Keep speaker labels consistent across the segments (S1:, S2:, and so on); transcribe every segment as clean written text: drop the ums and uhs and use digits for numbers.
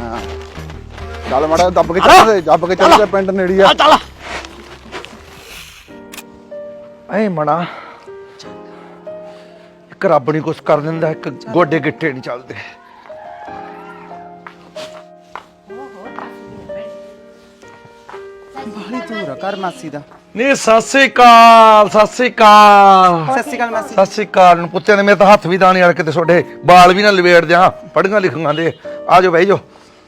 S1: ਚੱਲ ਮਾੜਾ ਦੱਬ ਕੇ ਚੱਲਦੇ ਪਿੰਡ ਨੇੜੀ ਆ
S2: ਚੱਲ ਐ ਮਣਾ ਇੱਕ ਰੱਬ ਨਹੀਂ ਕੁਛ ਕਰ ਦਿੰਦਾ, ਇੱਕ ਗੋਡੇ ਗਿੱਟੇ ਨਹੀਂ ਚੱਲਦੇ।
S3: ਬਾਹਲੀ ਦੂਰ ਆ ਘਰ ਮਾਸੀ ਦਾ।
S2: ਨੀ ਸਤਿ ਸ੍ਰੀ ਅਕਾਲ, ਸਤਿ ਸ੍ਰੀ ਅਕਾਲ,
S3: ਸਤਿ ਸ਼੍ਰੀ ਅਕਾਲ ਮਾਸੀ।
S2: ਸਤਿ ਸ੍ਰੀ ਅਕਾਲ। ਨੂੰ ਪੁੱਤਿਆਂ ਨੇ ਮੇਰੇ ਤਾਂ ਹੱਥ ਵੀ ਦਾਣੇ ਵਾਲੇ, ਕਿਤੇ ਤੁਹਾਡੇ ਬਾਲ ਵੀ ਨਾ ਲਵੇੜ ਦਿਆਂ, ਪੜ੍ਹੀਆਂ ਲਿਖੀਆਂ ਦੇ। ਆ ਜਾਓ ਬਹਿ ਜਾਓ।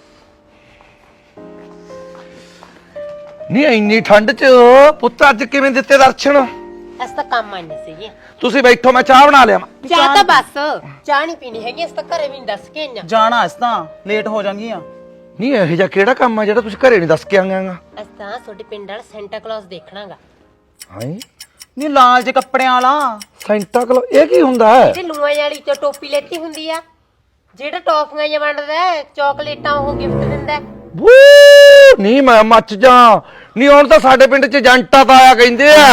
S2: ਨੀ ਇੰਨੀ ਠੰਡ ਚ ਪੁੱਤ ਅੱਜ ਕਿਵੇਂ ਦਿੱਤੇ ਦਰਸ਼ਨ?
S4: ਅਸ ਤਾਂ ਕੰਮ ਆਈ ਨਹੀਂ ਸੀਗੀ।
S2: ਤੁਸੀਂ ਬੈਠੋ, ਮੈਂ ਚਾਹ ਬਣਾ ਲਿਆ।
S4: ਚਾਹ ਤਾਂ ਬਸ ਚਾਹ ਨਹੀਂ ਪੀਣੀ ਹੈਗੀ, ਅਸ ਤਾਂ ਘਰੇ ਵੀ ਨਹੀਂ ਦੱਸ ਕੇ ਆਈਆਂ।
S3: ਜਾਣਾ ਇਸ ਤਾਂ ਲੇਟ ਹੋ ਜਾਣਗੀਆਂ।
S2: ਨਹੀਂ ਇਹੋ ਜਿਹਾ ਕਿਹੜਾ ਕੰਮ ਆ ਜਿਹੜਾ ਤੁਸੀਂ ਘਰੇ ਨਹੀਂ ਦੱਸ ਕੇ ਆਂਗਾ?
S4: ਅਸ ਤਾਂ ਤੁਹਾਡੇ ਪਿੰਡ ਵਾਲਾ ਸੈਂਟਾ ਕਲੌਸ ਦੇਖਣਾਗਾ।
S2: ਹਾਂ
S3: ਨੀ ਲਾਲ ਜੇ ਕੱਪੜਿਆਂ ਵਾਲਾ
S2: ਸੈਂਟਾ ਕਲੌਸ, ਇਹ ਕੀ ਹੁੰਦਾ ਹੈ?
S4: ਤੇ ਲੂਆਂ ਵਾਲੀ ਤੋਂ ਟੋਪੀ ਲੈਤੀ ਹੁੰਦੀ ਆ, ਜਿਹੜਾ ਟੌਫੀਆਂ ਜਿਹਾ ਵੰਡਦਾ ਹੈ, ਚਾਕਲੇਟਾਂ ਉਹ ਗਿਫਟ ਦਿੰਦਾ ਹੈ।
S2: ਵੂ ਨਹੀਂ ਮੈਂ ਮੱਚ ਜਾ। ਨਹੀਂ ਹੁਣ ਤਾਂ ਸਾਡੇ ਪਿੰਡ ਚ ਜੰਟਾ ਤਾਂ ਆਇਆ ਕਹਿੰਦੇ ਆ।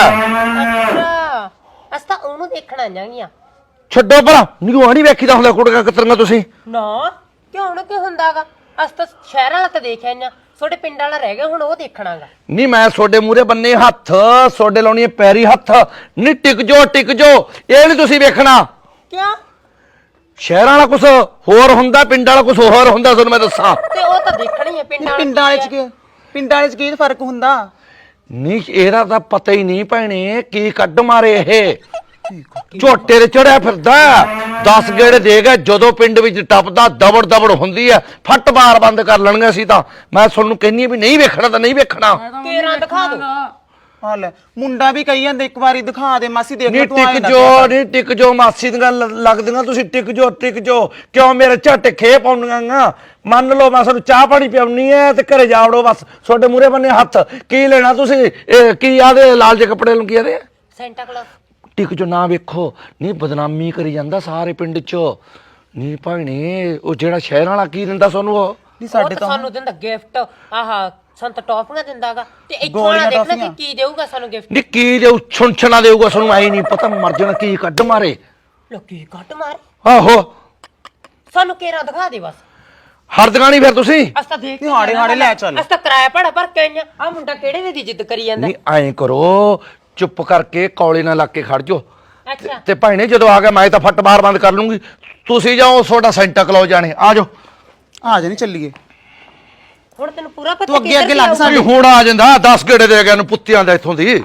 S4: ਅੱਛਾ ਅਸ ਤਾਂ ਉਹਨੂੰ ਦੇਖਣ ਆਈਆਂ।
S2: ਛੱਡੋ ਭਲਾ, ਨਹੀਂ ਉਹ ਨਹੀਂ ਵੇਖੀਦਾ ਹੁੰਦਾ ਕੁੜੀਆਂ ਕਤਰੀਆਂ ਤੁਸੀਂ।
S4: ਨਾ ਕਿਉਂ ਨਾ ਕੀ ਹੁੰਦਾਗਾ, ਅਸ ਤਾਂ ਸ਼ਹਿਰਾਂ ਵਾਲਾ ਤਾਂ ਦੇਖਿਆ ਆਈਆਂ, ਤੁਹਾਡੇ ਪਿੰਡ ਵਾਲਾ ਰਹਿ ਗਿਆ, ਹੁਣ ਉਹ ਦੇਖਣਾਗਾ।
S2: ਨਹੀਂ ਮੈਂ ਤੁਹਾਡੇ ਮੂਹਰੇ ਬੰਨੇ ਹੱਥ, ਤੁਹਾਡੇ ਲਾਉਣੀ ਪੈਰੀ ਹੱਥ। ਨਹੀਂ ਟਿਕ ਜੋ ਟਿਕ ਜੋ, ਇਹ ਨਹੀਂ ਤੁਸੀਂ ਵੇਖਣਾ।
S4: ਕਿਉਂ?
S2: ਸ਼ਹਿਰਾਂ ਵਾਲਾ ਕੁਝ ਹੋਰ ਹੁੰਦਾ, ਪਿੰਡ ਵਾਲਾ ਕੁਝ ਹੋਰ ਹੁੰਦਾ, ਤੁਹਾਨੂੰ ਮੈਂ ਦੱਸਾਂ।
S4: ਤੇ ਉਹ ਤਾਂ ਦੇਖਣੀ ਹੈ ਪਿੰਡ ਵਾਲਾ।
S3: ਪਿੰਡਾਂ ਵਾਲੇ ਚ ਕੀ ਫਰਕ ਹੁੰਦਾ?
S2: ਨਹੀਂ ਇਹਦਾ ਤਾਂ ਪਤਾ ਹੀ ਨਹੀਂ ਭੈਣੇ, ਕੀ ਕੱਢ ਮਾਰੇ ਇਹ। ਝੋਟੇ ਤੇ ਚੜਿਆ ਫਿਰਦਾ, 10 ਗੇੜੇ ਦੇ ਗਿਆ, ਜਦੋਂ ਪਿੰਡ ਵਿੱਚ ਟੱਪਦਾ ਦਬੜ ਦਬੜ ਹੁੰਦੀ ਹੈ, ਫੱਟ ਬਾਰ ਬੰਦ ਕਰ ਲੈਣਗੇ। ਅਸੀਂ ਤਾਂ ਮੈਂ ਤੁਹਾਨੂੰ ਕਹਿੰਨੀ ਵੀ ਨਹੀਂ ਵੇਖਣਾ ਤਾਂ ਨਹੀਂ ਵੇਖਣਾ।
S4: ਤੇਰਾ ਦਿਖਾ ਦੋ।
S3: ਹਾਂ ਲੈ ਮੁੰਡਾ ਵੀ ਕਹੀ ਜਾਂਦਾ ਇੱਕ ਵਾਰੀ ਦਿਖਾ ਦੇ ਮਾਸੀ, ਦੇਖ
S2: ਨਹੀਂ
S3: ਤੂੰ ਆਏ
S2: ਟਿਕ
S3: ਨਾ
S2: ਜੋ, ਨਹੀਂ ਟਿਕ ਜੋ, ਮਾਸੀ ਦੀਆਂ ਲੱਗਦੀਆਂ ਤੁਸੀਂ। ਟਿਕ ਜੋ ਟਿਕ ਜੋ, ਕਿਉਂ ਮੇਰੇ ਝੱਟ ਖੇ ਪਾਉਣੀਆਂ? ਮੰਨ ਲਓ ਮੈਂ ਤੁਹਾਨੂੰ ਚਾਹ ਪਾਣੀ ਪਿਆਉਣੀ ਹੈ ਤੇ ਘਰੇ ਜਾ ਵੜੋ ਬਸ। ਤੁਹਾਡੇ ਮੂਹਰੇ ਬੰਨੇ ਹੱਥ, ਕੀ ਲੈਣਾ ਤੁਸੀਂ? ਇਹ ਕੀ ਆਦੇ ਲਾਲ ਜਿਹੇ ਕੱਪੜੇ ਨੂੰ ਕੀ ਆਦੇ?
S4: Santa Claus.
S2: ਟਿਕ ਜੋ ਨਾ ਵੇਖੋ, ਨਹੀਂ ਬਦਨਾਮੀ ਕਰੀ ਜਾਂਦਾ ਸਾਰੇ ਪਿੰਡ ਚ। ਨਹੀਂ ਭਾਣੇ ਉਹ ਜਿਹੜਾ ਸ਼ਹਿਰ ਵਾਲਾ ਕੀ ਦਿੰਦਾ ਤੁਹਾਨੂੰ? ਉਹ
S3: ਨਹੀਂ ਸਾਡੇ ਤਾਂ
S4: ਸਾਨੂੰ ਦਿੰਦਾ ਗਿਫਟ, ਆਹ ਸੰਤ ਟੌਫੀਆਂ ਦਿੰਦਾਗਾ। ਤੇ ਇੱਥੋਂ ਵਾਲਾ ਦੇਖਣਾ ਕਿ ਕੀ ਦੇਊਗਾ ਸਾਨੂੰ ਗਿਫਟ।
S2: ਨਹੀਂ ਕੀ ਦੇਊ, ਛੁਣਛਣਾ ਦੇਊਗਾ ਸਾਨੂੰ, ਆਈ ਨਹੀਂ ਪਤਾ। ਮਰ ਜਾਣਾ, ਕੀ ਕੱਢ ਮਾਰੇ।
S4: ਲੋਕੀ ਕੱਟ ਮਾਰੇ
S2: ਆਹੋ
S4: ਸਾਨੂੰ, ਕੇਰਾ ਦਿਖਾ ਦੇ ਬਸ।
S2: ਹਰਦਗਾ ਨਹੀਂ ਫਿਰ ਤੁਸੀਂ।
S4: ਅਸ ਤਾਂ ਦੇਖ
S3: ਹਾੜੇ ਹਾੜੇ ਲੈ ਚੱਲ।
S4: ਅਸ ਤਾਂ ਕਿਰਾਇਆ ਭਾੜਾ ਭਰ ਕੇ ਆਈਆਂ। ਆ ਮੁੰਡਾ ਕਿਹੜੇ ਵੇ ਦੀ ਜਿੱਦ ਕਰੀ ਜਾਂਦਾ।
S2: ਨਹੀਂ ਐਂ ਕਰੋ, ਚੁੱਪ ਕਰਕੇ ਕੌਲੇ ਨਾਲ ਲੱਗ ਕੇ ਖੜ ਜਾਓ।
S4: ਅੱਛਾ
S2: ਤੇ ਭਾਈਨੇ ਜਦੋਂ ਆ ਗਿਆ ਮੈਂ ਤਾਂ ਫੱਟ ਬਾਹਰ ਬੰਦ ਕਰ ਲੂੰਗੀ। ਤੁਸੀਂ ਜਾਓ, ਤੁਹਾਡਾ ਸੈਂਟਾ ਕਲੌਸ ਜਾਣੇ। ਆ ਜਾਓ
S3: ਆ ਜਾ, ਨਹੀਂ ਚੱਲੀਏ।
S4: ਹੁਣ ਤੈਨੂੰ ਪੂਰਾ ਪਤਾ
S3: ਤੂੰ ਅੱਗੇ ਲੱਗ
S2: ਵੀ ਹੁਣ ਆ ਜਾਂਦਾ 10 ਗੇੜੇ ਦੇ ਗਿਆ ਨੂੰ ਪੁੱਤਿਆਂ ਦਾ ਇੱਥੋਂ ਦੀ।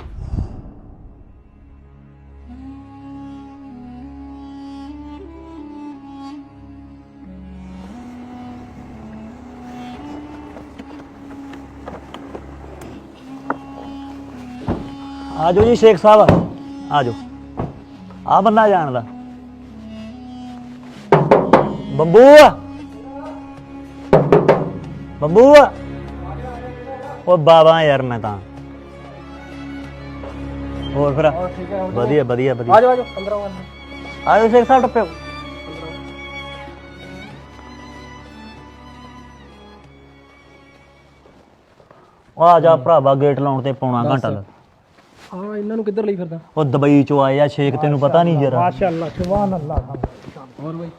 S5: ਆ ਜਾਓ ਜੀ ਸ਼ੇਖ ਸਾਹਿਬ, ਆ ਜਾਓ। ਆ ਬੰਦਾ ਜਾਣਦਾ ਬੰਬੂ, ਬੰਬੂ। ਉਹ ਬਾਬਾ ਯਾਰ ਮੈਂ ਤਾਂ ਹੋਰ ਫਿਰ ਵਧੀਆ ਵਧੀਆ ਵਧੀਆ। ਆ ਜਾਓ ਅੰਦਰ ਆਓ। ਆ ਜਾਓ ਸ਼ੇਖ ਸਾਹਿਬ, ਟੱਪਿਓ। ਆ ਜਾ ਭਰਾਵਾ, ਗੇਟ ਲਾਉਣ ਤੇ ਪੌਣਾ ਘੰਟਾ ਲੱਗ।
S6: ਹਾਂ ਇਹਨਾਂ ਨੂੰ ਕਿੱਧਰ ਲਈ ਫਿਰਦਾ?
S5: ਉਹ ਦੁਬਈ ਚੋਂ ਆਏ ਆ ਸ਼ੇਖ, ਤੈਨੂੰ ਪਤਾ ਨਹੀਂ ਜਰਾ।
S6: ਮਾਸ਼ਾਅੱਲਾ, ਸੁਭਾਨ ਅੱਲਾਹ। ਹੋਰ ਬਈ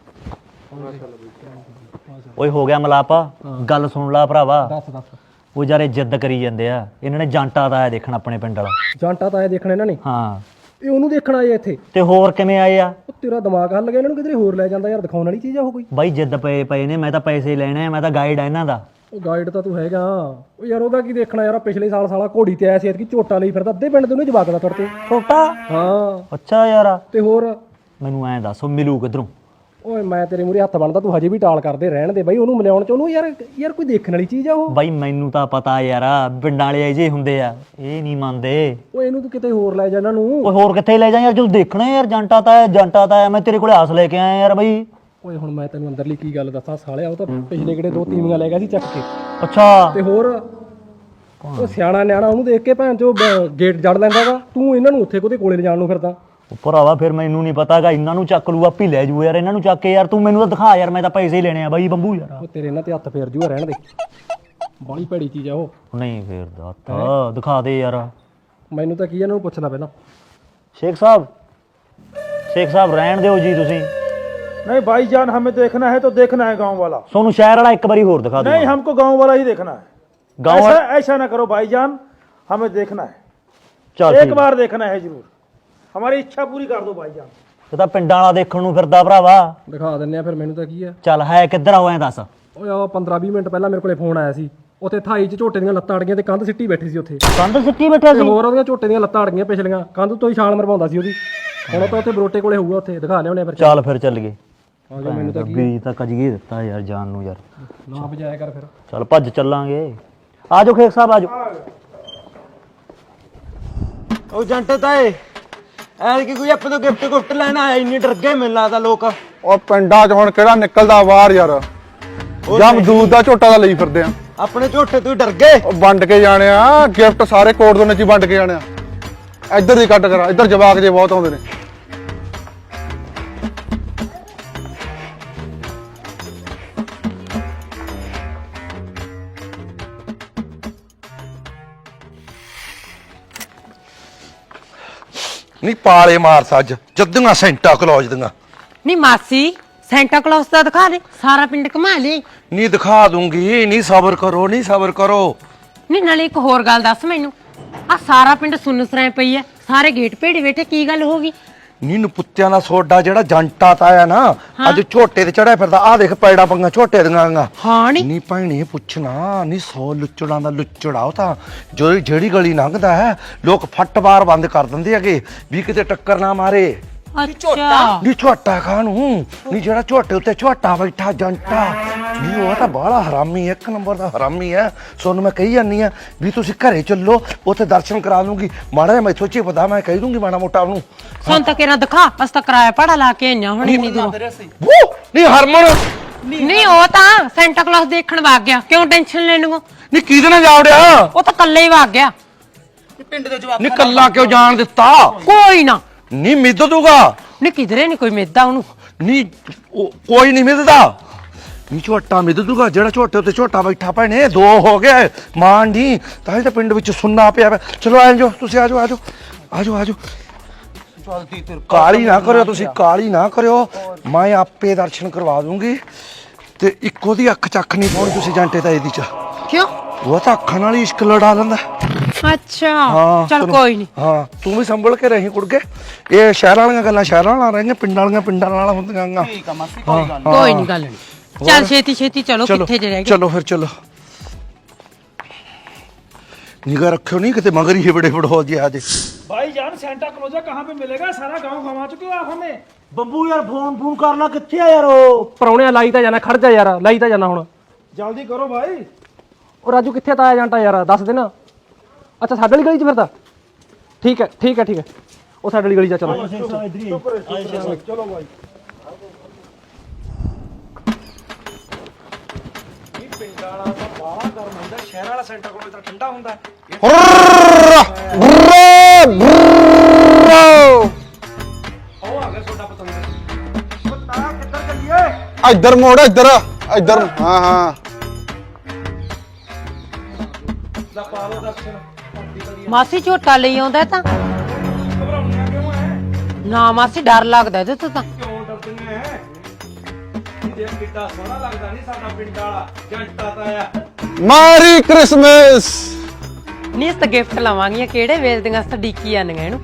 S5: ਓਏ ਹੋ ਗਿਆ ਮਲਾਪਾ, ਗੱਲ ਸੁਣ ਲਾ ਭਰਾਵਾ।
S6: ਦੱਸ।
S5: ਉਹ ਜਾਰੇ ਜਿੱਦ ਕਰੀ ਜਾਂਦੇ ਆ, ਇਹਨਾਂ ਨੇ ਜਾਂਟਾ ਦਾ ਆਇਆ ਦੇਖਣ ਆਪਣੇ ਪਿੰਡ ਵਾਲਾ।
S6: ਜਾਂਟਾ ਤਾਂ ਆਏ ਦੇਖਣ ਇਹਨਾਂ ਨੇ?
S5: ਹਾਂ।
S6: ਇਹ ਉਹਨੂੰ ਦੇਖਣ ਆਏ ਇੱਥੇ?
S5: ਤੇ ਹੋਰ ਕਿਵੇਂ ਆਏ ਆ?
S6: ਉਹ ਤੇਰਾ ਦਿਮਾਗ ਹੱਲ ਗਿਆ, ਇਹਨਾਂ ਨੂੰ ਕਿਧਰੇ ਹੋਰ ਲੈ ਜਾਂਦਾ ਯਾਰ। ਦਿਖਾਉਣ ਵਾਲੀ ਚੀਜ਼ ਆ ਉਹ ਕੋਈ?
S5: ਬਾਈ ਜਿੱਦ ਪਏ ਨੇ, ਮੈਂ ਤਾਂ ਪੈਸੇ ਲੈਣੇ ਆ, ਮੈਂ ਤਾਂ ਗਾਈਡ ਆ ਇਹਨਾਂ ਦਾ।
S6: ਉਹ ਗਾਈਡ ਤਾਂ ਤੂੰ ਹੈਗਾ। ਉਹ ਯਾਰ ਉਹਦਾ ਕੀ ਦੇਖਣਾ ਯਾਰ? ਪਿਛਲੇ ਸਾਲ ਸਾਲਾ ਘੋੜੀ ਤੇ ਆਇਆ ਸੀ, ਐਤਕੀ ਝੋਟਾ ਲਈ ਫਿਰਦਾ। ਅੱਧੇ ਪਿੰਡ ਦੇ ਉਹਨੇ ਜਵਾਕ ਦਾ ਤੁਰਤੇ।
S5: ਛੋਟਾ?
S6: ਹਾਂ।
S5: ਅੱਛਾ ਯਾਰ,
S6: ਤੇ ਹੋਰ
S5: ਮੈਨੂੰ ਐਂ ਦੱਸ ਮਿਲੂ ਕਿੱਧਰੋਂ?
S6: ਓਏ ਮੈਂ ਤੇਰੇ ਮੂਹਰੇ ਹੱਥ ਬਣਦਾ, ਤੂੰ ਹਜੇ ਵੀ ਟਾਲ ਕਰਦੇ ਰਹਿਣ ਦੇ ਬਾਈ। ਉਹਨੂੰ ਮਿਲਾਉਣ ਚ ਉਹਨੂੰ ਯਾਰ ਕੋਈ ਦੇਖਣ ਵਾਲੀ ਚੀਜ਼ ਆ ਉਹ।
S5: ਬਾਈ ਮੈਨੂੰ ਤਾਂ ਪਤਾ ਯਾਰ, ਪਿੰਡਾਂ ਵਾਲੇ ਜੇ ਹੁੰਦੇ ਆ, ਇਹ ਨਹੀਂ ਮੰਨਦੇ।
S6: ਓਏ ਇਹਨੂੰ ਤੂੰ ਕਿਤੇ ਹੋਰ ਲੈ ਜਾ ਇਹਨਾਂ ਨੂੰ।
S5: ਓਏ ਹੋਰ ਕਿੱਥੇ ਲੈ ਜਾ ਯਾਰ, ਜਦੋਂ ਦੇਖਣਾ ਯਾਰ। ਜਾਂਟਾ ਤਾਂ ਮੈਂ ਤੇਰੇ ਕੋਲੇ ਆਸ ਲੈ ਕੇ ਆਇਆ ਯਾਰ ਬਾਈ।
S6: ਓਏ ਹੁਣ ਮੈਂ ਤੈਨੂੰ ਅੰਦਰਲੀ ਕੀ ਗੱਲ ਦੱਸਾਂ ਸਾਲਿਆ, ਉਹ ਤਾਂ ਪਿਛਲੇ ਕਿਹੜੇ 2 ਤੀਵੀਆਂ ਲੈ ਗਿਆ ਸੀ ਚੱਕ ਕੇ।
S5: ਅੱਛਾ।
S6: ਤੇ ਹੋਰ ਉਹ ਸਿਆਣਾ ਨਿਆਣਾ, ਉਹਨੂੰ ਦੇਖ ਕੇ ਭੈਣ ਚੋ ਗੇਟ ਜੜ ਲੈਂਦਾ ਵਾ। ਤੂੰ ਇਹਨਾਂ ਨੂੰ ਉੱਥੇ ਕੋਤੇ ਕੋਲੇ ਲਿਜਾਣ ਨੂੰ ਫਿਰਦਾ।
S5: ਭਰਾਵਾ ਫਿਰ ਮੈਨੂੰ ਨਹੀਂ ਪਤਾਗਾ, ਇਹਨਾਂ ਨੂੰ ਚੱਕ ਲੂ ਆਪੀ ਲੈ ਜੂ ਯਾਰ। ਇਹਨਾਂ ਨੂੰ ਚੱਕ ਕੇ ਯਾਰ, ਤੂੰ ਮੈਨੂੰ ਤਾਂ ਦਿਖਾ ਯਾਰ, ਮੈਂ ਤਾਂ ਪੈਸੇ ਹੀ ਲੈਣੇ ਆ ਬਾਈ ਬੰਬੂ ਯਾਰ।
S6: ਉਹ ਤੇਰੇ ਇਹਨਾਂ ਤੇ ਹੱਥ ਫੇਰ ਜੂਆ, ਰਹਿਣ ਦੇ। ਬਾਲੀ ਭੈੜੀ ਚੀਜ਼ ਆ ਉਹ।
S5: ਨਹੀਂ ਫੇਰਦਾ ਹੱਥ, ਦਿਖਾ ਦੇ ਯਾਰ।
S6: ਮੈਨੂੰ ਤਾਂ ਕੀ ਇਹਨਾਂ ਨੂੰ ਪੁੱਛਣਾ ਪਹਿਲਾਂ।
S5: ਸ਼ੇਖ ਸਾਹਿਬ ਰਹਿਣ ਦਿਓ ਜੀ ਤੁਸੀਂ।
S7: नहीं भाईजान, हमें देखना है तो देखना है गांव वाला।
S5: ਤੁਹਾਨੂੰ ਸ਼ਹਿਰ ਵਾਲਾ ਇੱਕ ਵਾਰੀ ਹੋਰ ਦਿਖਾ
S7: नहीं,
S5: ਦੂੰਗਾ
S7: हमको गांव वाला ही देखना है।
S5: गाँव
S7: ऐसा ऐसा ना करो भाईजान, हमें देखना है,
S5: ਚੱਲ
S7: एक
S5: ਠੀਕ
S7: बार देखना है जरूर। हमारी इच्छा पूरी कर दो भाईजान।
S5: ਇਹ ਤਾਂ ਪਿੰਡਾਂ ਵਾਲਾ ਦੇਖਣ ਨੂੰ ਫਿਰਦਾ ਭਰਾਵਾ।
S6: ਦਿਖਾ ਦਿੰਨੇ ਆ ਫਿਰ, ਮੈਨੂੰ ਤਾਂ ਕੀ ਆ।
S5: ਚੱਲ ਹੈ ਕਿੱਧਰ ਆਉਂ ਐ ਦੱਸ।
S6: ਓਏ ਆ 15-20 ਮਿੰਟ ਪਹਿਲਾਂ ਮੇਰੇ ਕੋਲੇ ਫੋਨ ਆਇਆ ਸੀ, ਉੱਥੇ ਥਾਈ 'ਚ ਝੋਟੇ ਦੀਆਂ ਲੱਤਾਂ ਅੜ ਗਈਆਂ ਤੇ ਕੰਧ ਸਿੱਟੀ ਬੈਠੀ ਸੀ ਉੱਥੇ।
S5: ਕੰਧ ਸਿੱਟੀ ਬੈਠਾ
S6: ਤੇ
S5: ਸੀ।
S6: ਹੋਰ ਉਹਦੀਆਂ ਝੋਟੇ ਦੀਆਂ ਲੱਤਾਂ ਅੜ ਗਈਆਂ ਪਿਛਲੀਆਂ, ਕੰਧ ਤੋਂ ਹੀ ਛਾਲ ਮਰਵਾਉਂਦਾ ਸੀ ਉਹਦੀ। ਹੁਣ ਉਹ ਤਾਂ ਉੱਥੇ ਬਰੋਟੇ ਕੋਲੇ ਹੋਊਗਾ, ਉੱਥੇ ਦਿਖਾ ਲਿਆਉਣੇ ਫਿਰ।
S5: ਚੱਲ ਫਿਰ ਚੱਲ ਗਏ।
S6: ਆ ਜਾ, ਮੈਨੂੰ ਤਾਂ ਕੀ
S5: ਵੀ ਤਾਂ ਕਜਗੇ ਦਿੱਤਾ ਯਾਰ ਜਾਨ ਨੂੰ ਯਾਰ।
S6: ਨਾ ਵਜਾਇਆ ਕਰ ਫਿਰ।
S5: ਚੱਲ ਭੱਜ ਚੱਲਾਂਗੇ। ਆਜੋ ਖੇਖ ਸਾਹਿਬ ਆਜੋ।
S3: ਉਹ ਜੰਟ ਤਾਏ ਐ ਕਿ ਕੋਈ ਆਪਾਂ ਤੋਂ ਗਿਫਟ ਲੈਣ ਆਇਆ, ਇੰਨੀ ਡਰ ਗਏ ਮੈਨੂੰ ਲੱਗਦਾ ਲੋਕ।
S1: ਉਹ ਪਿੰਡਾਂ 'ਚ ਹੁਣ ਕਿਹੜਾ ਨਿਕਲਦਾ ਬਾਹਰ ਯਾਰ, ਜਾਂ ਮਦੂਦ ਦਾ ਝੋਟਾ ਦਾ ਲਈ ਫਿਰਦੇ ਆ।
S3: ਆਪਣੇ ਝੋਟੇ ਤੋਂ ਡਰ ਗਏ।
S1: ਉਹ ਵੰਡ ਕੇ ਜਾਣੇ ਆ ਗਿਫਟ, ਸਾਰੇ ਕੋਟ ਦੋਨੇ 'ਚ ਹੀ ਵੰਡ ਕੇ ਜਾਣੇ ਆ। ਇੱਧਰ ਦੀ ਕੱਟ ਕਰਾ, ਇੱਧਰ ਜਵਾਕ ਜੇ ਬਹੁਤ ਆਉਂਦੇ ਨੇ।
S2: ਨਹੀਂ ਪਾਲੇ ਮਾਰ ਸੱਜ ਜੱਦੀਆਂ ਸੈਂਟਾ ਕਲੌਜ ਦੀਆਂ।
S4: ਨਹੀਂ ਮਾਸੀ, ਸੈਂਟਾ ਕਲੌਸ ਦਾ ਦਿਖਾ ਦੇ, ਸਾਰਾ ਪਿੰਡ ਘੁਮਾ ਲਈ।
S2: ਨਹੀਂ ਦਿਖਾ ਦੂੰਗੀ, ਨਹੀਂ ਸਬਰ ਕਰੋ, ਨਹੀਂ ਸਬਰ ਕਰੋ।
S4: ਨਹੀਂ ਨਾਲੇ ਇੱਕ ਹੋਰ ਗੱਲ ਦੱਸ ਮੈਨੂੰ, ਆ ਸਾਰਾ ਪਿੰਡ ਸੁੰਨ ਸਰਾਂ ਪਈ ਐ, ਸਾਰੇ ਗੇਟ ਭੇੜੇ ਬੈਠੇ, ਕੀ ਗੱਲ ਹੋ ਗਈ?
S2: ਨੀ ਨਪੁੱਤਿਆਂ ਦਾ ਸੋਡਾ ਜਿਹੜਾ ਜੰਟਾ ਤਾਇਆ ਨਾ ਅੱਜ ਝੋਟੇ ਤੇ ਚੜਿਆ ਫਿਰਦਾ, ਆਹ ਦੇਖ ਪੈੜਾ ਪੰਗਾ ਝੋਟੇ ਦੀਆਂ।
S4: ਹਾਂ
S2: ਨੀ ਭੈਣੇ ਪੁੱਛਣਾ ਨੀ 100 ਲੁੱਚੜਾਂ ਦਾ ਲੁੱਚੜਾ ਉਹ ਤਾਂ ਜਿਹੜੀ ਗਲੀ ਲੰਘਦਾ ਹੈ ਲੋਕ ਫੱਟ ਬਾਰ ਬੰਦ ਕਰ ਦਿੰਦੇ ਹੈਗੇ ਵੀ ਕਿਤੇ ਟੱਕਰ ਨਾ ਮਾਰੇ।
S4: ਅੱਛਾ
S2: ਨੀ ਝੋਟਾ ਖਾਣੂ ਨੀ ਜਿਹੜਾ ਝੋਟੇ ਉੱਤੇ ਝੋਟਾ ਬੈਠਾ ਜੰਟਾ ਨੀ ਉਹ ਤਾਂ ਬਾਹਲਾ ਹਰਾਮੀ, ਇੱਕ ਨੰਬਰ ਦਾ ਹਰਾਮੀ ਹੈ। ਸੋਨੂੰ ਮੈਂ ਕਹੀ ਜਾਂਦੀ ਆ ਵੀ ਤੁਸੀਂ ਘਰੇ ਚੱਲੋ, ਉੱਥੇ ਦਰਸ਼ਨ ਕਰਾ ਦੂੰਗੀ। ਮਾੜਾ ਜਿਹਾ ਮੈਥੋਂ ਚੀ ਪਤਾ, ਮੈਂ ਕਹਿ ਦੂੰਗੀ ਮਾੜਾ ਮੋਟਾ ਉਹਨੂੰ।
S4: ਸੁਣ ਤਾਂ ਕਿਹੜਾ ਦਿਖਾ, ਅਸ ਤਾਂ ਕਿਰਾਇਆ ਪੜਾ ਲਾ ਕੇ ਆਈਆਂ ਹੁਣ ਇੰਨੀ ਦੂਰੋਂ।
S2: ਨੀ ਹਰਮਨ
S4: ਨਹੀਂ ਉਹ ਤਾਂ ਸੈਂਟਾ ਕਲੌਸ ਦੇਖਣ ਵਗ ਗਿਆ, ਕਿਉਂ ਟੈਨਸ਼ਨ ਲੈਣ ਨੂੰ?
S2: ਨੀ ਕਿਹਦੇ ਨਾਲ ਜਾ ਵੜਿਆ?
S4: ਉਹ ਤਾਂ ਕੱਲੇ ਹੀ ਵਗ ਗਿਆ।
S3: ਪਿੰਡ ਦੇ ਜਵਾਬ
S2: ਨੀ ਕੱਲਾ ਕਿਉਂ ਜਾਣ ਦਿੱਤਾ?
S4: ਕੋਈ ਨਾ,
S2: ਨੀ ਮਿੱਦ ਦੂਗਾ।
S4: ਨਹੀਂ ਕਿਧਰੇ ਨਹੀਂ ਕੋਈ ਮਿੱਦਾ ਉਹਨੂੰ।
S2: ਨੀ ਕੋਈ ਨਹੀਂ ਮਿੱਦਦਾ। ਨੀ ਝੋਟਾ ਮਿੱਦ ਦੂਗਾ ਜਿਹੜਾ ਝੋਟੇ ਉੱਤੇ ਝੋਟਾ ਬੈਠਾ ਭੈਣੇ। ਦੋ ਹੋ ਗਏ ਮਾਨ ਜੀ, ਤਾਂ ਹੀ ਤਾਂ ਪਿੰਡ ਵਿੱਚ ਸੁੰਨਾ ਪਿਆ। ਚਲੋ ਆ ਜਾਓ ਤੁਸੀਂ, ਆ ਜਾਓ ਆ ਜਾਓ ਆ ਜਾਓ ਆ ਜਾਓ। ਕਾਲੀ ਨਾ ਕਰਿਓ ਤੁਸੀਂ, ਕਾਲੀ ਨਾ ਕਰਿਓ, ਮੈਂ ਆਪੇ ਦਰਸ਼ਨ ਕਰਵਾ ਦੂੰਗੀ। ਤੇ ਇੱਕੋ ਦੀ ਅੱਖ ਚੱਖ ਨਹੀਂ ਪਾਉਣੀ ਤੁਸੀਂ ਜੰਟੇ ਤਾਂ ਇਹਦੀ ਚ।
S4: ਕਿਉਂ?
S2: ਉਹ ਤਾਂ ਅੱਖਾਂ ਨਾਲ ਹੀ ਇਸ਼ਕ ਲੜਾ ਲੈਂਦਾ।
S4: ਅੱਛਾ
S2: ਹਾਂ
S4: ਚਲ ਕੋਈ ਨਹੀਂ।
S2: ਹਾਂ ਤੂੰ ਵੀ ਸੰਭਲ ਕੇ ਰਹੀ ਕੁੜਕੇ। ਇਹ ਸ਼ਹਿਰਾਂ ਵਾਲੀਆਂ ਗੱਲਾਂ ਸ਼ਹਿਰਾਂ ਨਾਲ ਰਹੀਆਂ, ਪਿੰਡਾਂ ਵਾਲੀਆਂ ਪਿੰਡਾਂ ਨਾਲ ਹੁੰਦੀਆਂ।
S3: ਠੀਕ ਆ ਮਾਸੀ, ਕੋਈ ਗੱਲ
S4: ਕੋਈ ਨਹੀਂ ਗੱਲ ਨਹੀਂ। ਚੱਲ ਛੇਤੀ ਛੇਤੀ ਚਲੋ, ਕਿੱਥੇ ਜੇ ਰਹਿ ਗਏ?
S2: ਚਲੋ ਫਿਰ ਚਲੋ। निगाह रखो नहीं कितने मगर ही बड़े बड़े हो गया आज।
S7: भाईजान सेंटा क्लोजा कहाँ पे मिलेगा? सारा गांव घुमा चुके हो आप हमें।
S5: ਬੰਬੂ ਯਾਰ ਫੋਨ ਕਰਨਾ ਕਿੱਥੇ ਆ ਯਾਰ? ਉਹ
S6: ਪਰੌਣਿਆ ਲਾਈ ਤਾਂ ਜਾਣਾ, ਖੜ ਜਾ ਯਾਰ, ਲਾਈ ਤਾਂ ਜਾਣਾ ਹੁਣ।
S7: जल्दी करो भाई।
S6: ਉਹ ਰਾਜੂ ਕਿੱਥੇ ਤਾਇਆ ਜਾਂਟਾ ਯਾਰ, ਦੱਸ ਦੇ ਨਾ। ਅੱਛਾ ਸਾਡੇ ਵਾਲੀ ਗਲੀ 'ਚ ਫਿਰਦਾ? ਠੀਕ ਹੈ ਠੀਕ ਹੈ ਠੀਕ ਹੈ, ਉਹ ਸਾਡੇ ਵਾਲੀ ਗਲੀ 'ਚ ਚਲੋ।
S7: चलो भाई।
S3: ਸ਼ਹਿਰ ਵਾਲਾ ਸੈਂਟਾ ਕੋਲ ਤਾਂ ਠੰਡਾ ਹੁੰਦਾ। ਉਹ ਆ ਗਿਆ ਤੁਹਾਡਾ ਪਤੰਦਰ। ਉਹ ਤਾਰਾ ਕਿੱਧਰ ਚੱਲੀਏ?
S1: ਇੱਧਰ ਮੋੜ, ਇੱਧਰ ਇੱਧਰ। ਹਾਂ ਹਾਂ
S3: ਦਾ ਪਾਲੋ ਦਰਸ਼ਨ।
S4: ਮਾਸੀ ਝੋਟਾ ਲਈ ਆਉਂਦਾ ਤਾਂ
S7: घबराउनिया क्यों है?
S4: ਨਾ ਮਾਸੀ, ਡਰ ਲੱਗਦਾ ਇਹਦੇ ਤੋਂ ਤਾਂ।
S7: क्यों डरते हैं? देख कितना सोहना लगता नहीं साडा पिंड वाला जंटा ताया।
S1: Merry Christmas.
S4: ਨਹੀਂ ਇਸ ਤਾਂ ਗਿਫਟ ਲਵਾਂਗੀਆਂ, ਕਿਹੜੇ ਵੇਚਦੀਆਂ ਸਟੀਕੀ ਆਂਦੀਆਂ ਇਹਨੂੰ।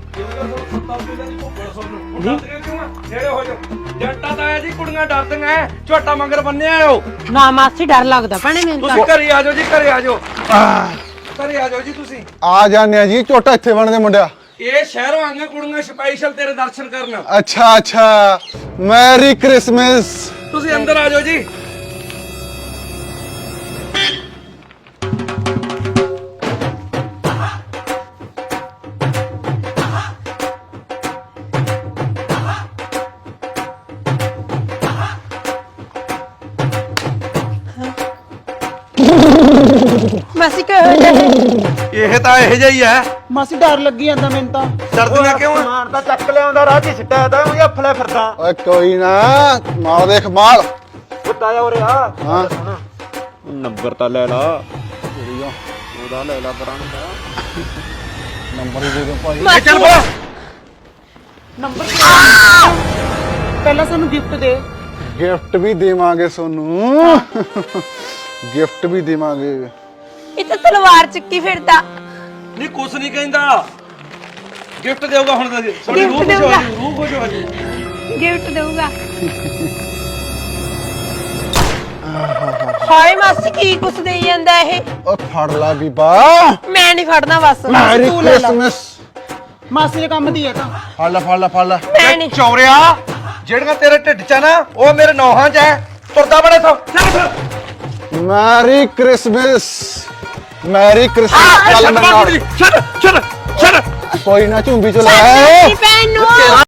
S2: ਨੇੜੇ ਹੋ ਜਾਓ। ਜੰਟਾ ਤਾਇਆ ਜੀ ਕੁੜੀਆਂ ਡਰਦੀਆਂ ਝੋਟਾ ਮੰਗਰ ਬੰਨਿਆ ਆਓ।
S4: ਨਾ ਮਾਸੀ ਡਰ ਲੱਗਦਾ ਭੈਣੇ ਮੈਨੂੰ
S2: ਤੁਸੀਂ
S4: ਤਾਂ।
S2: ਘਰੇ ਆ ਜਾਓ ਜੀ, ਘਰੇ ਆ ਜਾਓ, ਘਰੇ ਆ ਜਾਓ ਜੀ ਤੁਸੀਂ।
S1: ਆ ਜਾਂਦੇ ਆ ਜੀ, ਝੋਟਾ ਇੱਥੇ ਬਣਦੇ ਮੁੰਡਿਆ।
S2: ਇਹ ਸ਼ਹਿਰੋਂ ਆਈਆਂ ਕੁੜੀਆਂ ਸਪੈਸ਼ਲ ਤੇਰੇ ਦਰਸ਼ਨ ਕਰਨ।
S1: ਅੱਛਾ ਅੱਛਾ, ਮੈਰੀ ਕ੍ਰਿਸਮਸ।
S2: ਤੁਸੀਂ ਅੰਦਰ ਆ ਜਾਓ ਜੀ।
S4: ਮਾਸੀ
S2: ਇਹ ਤਾਂ ਇਹੋ ਜਿਹਾ ਹੀ ਹੈ।
S3: ਮਾਸੀ ਡਰ ਲੱਗੀ ਜਾਂਦਾ ਮੈਨੂੰ ਤਾਂ।
S2: ਡਰਦੀਆਂ ਕਿਉਂ ਆ?
S3: ਸਮਾਨ ਤਾਂ ਚੱਕ ਲਿਆਉਂਦਾ, ਰਾਹ 'ਚ ਸਿੱਟਿਆ ਤਾਂ ਉਹ ਹੱਫਲੇ ਫਿਰਦਾ।
S1: ਓਏ ਕੋਈ ਨਾ, ਮਾਲ ਦੇਖ ਮਾਲ।
S3: ਉਹ ਤਾਇਆ ਉਰੇ ਆ।
S1: ਹਾਂ
S3: ਨੰਬਰ ਤਾਂ ਲੈ ਲਾ।
S1: ਉਹਦਾ ਲੈ ਲਾ ਬਰਾਂਡ ਦਾ ਨੰਬਰ ਹੀ ਦੇ ਦੇ ਭਾਈ।
S2: ਚੱਲ ਬੋਲ।
S3: ਨੰਬਰ ਪਹਿਲਾਂ ਸਾਨੂੰ ਗਿਫਟ ਦੇ।
S1: ਗਿਫਟ ਵੀ ਦੇਵਾਂਗੇ ਸੋਨੂੰ ਗਿਫਟ ਵੀ ਦੇਵਾਂਗੇ।
S8: ਇਹ ਤਾਂ ਤਲਵਾਰ ਚੱਕੀ ਫਿਰਦਾ।
S7: ਨਹੀਂ ਕੁਛ ਨਹੀਂ ਕਹਿੰਦਾ, ਗਿਫਟ ਦੇਊਗਾ ਹੁਣ ਤਾਂ ਸਾਡੀ
S8: Gift
S7: ਰੂਹ ਖੁਸ਼
S8: ਦੇਊਗਾ।
S7: ਹੋ ਜਾਊ, ਰੂਹ ਖੁਸ਼ ਹੋ ਜਾਊ।
S8: ਗਿਫਟ ਦੇਊਗਾ। ਹਾਏ ਮਾਸੀ ਕੀ ਕੁਛ ਦੇਈ ਜਾਂਦਾ ਇਹ?
S1: ਓ ਫੜ ਲਾ ਬੀਬਾ।
S8: ਮੈਂ ਨਹੀਂ ਫੜਨਾ ਬਸ।
S1: ਮੈਰੀ
S8: ਤੂੰ ਲੈ ਲਾ।
S1: ਕ੍ਰਿਸਮਸ।
S3: ਮਾਸੀ ਦੇ ਕੰਮ ਦੀ ਹੈ ਤਾਂ
S1: ਫੜ ਲੈ ਫੜ ਲੈ ਫੜ ਲੈ।
S8: ਮੈਂ ਨਹੀਂ।
S2: ਚੌਰਿਆ ਜਿਹੜੀਆਂ ਤੇਰੇ ਢਿੱਡ 'ਚ ਆ ਨਾ ਉਹ ਮੇਰੇ ਨੌਹਾਂ 'ਚ ਐ। ਤੁਰਦਾ ਬੜੇ ਸੋ
S1: ਮੈਰੀ ਕ੍ਰਿਸਮਸ। Merry Christmas. ਚੱਲ ਮੇਰੇ ਨਾਲ।
S2: ਛੱਡ ਛੱਡ ਛੱਡ
S1: ਕੋਈ ਨਾ ਝੁੰਬੀ ਚ ਲੈ
S8: ਮੇਰੀ ਭੈਣ ਨੂੰ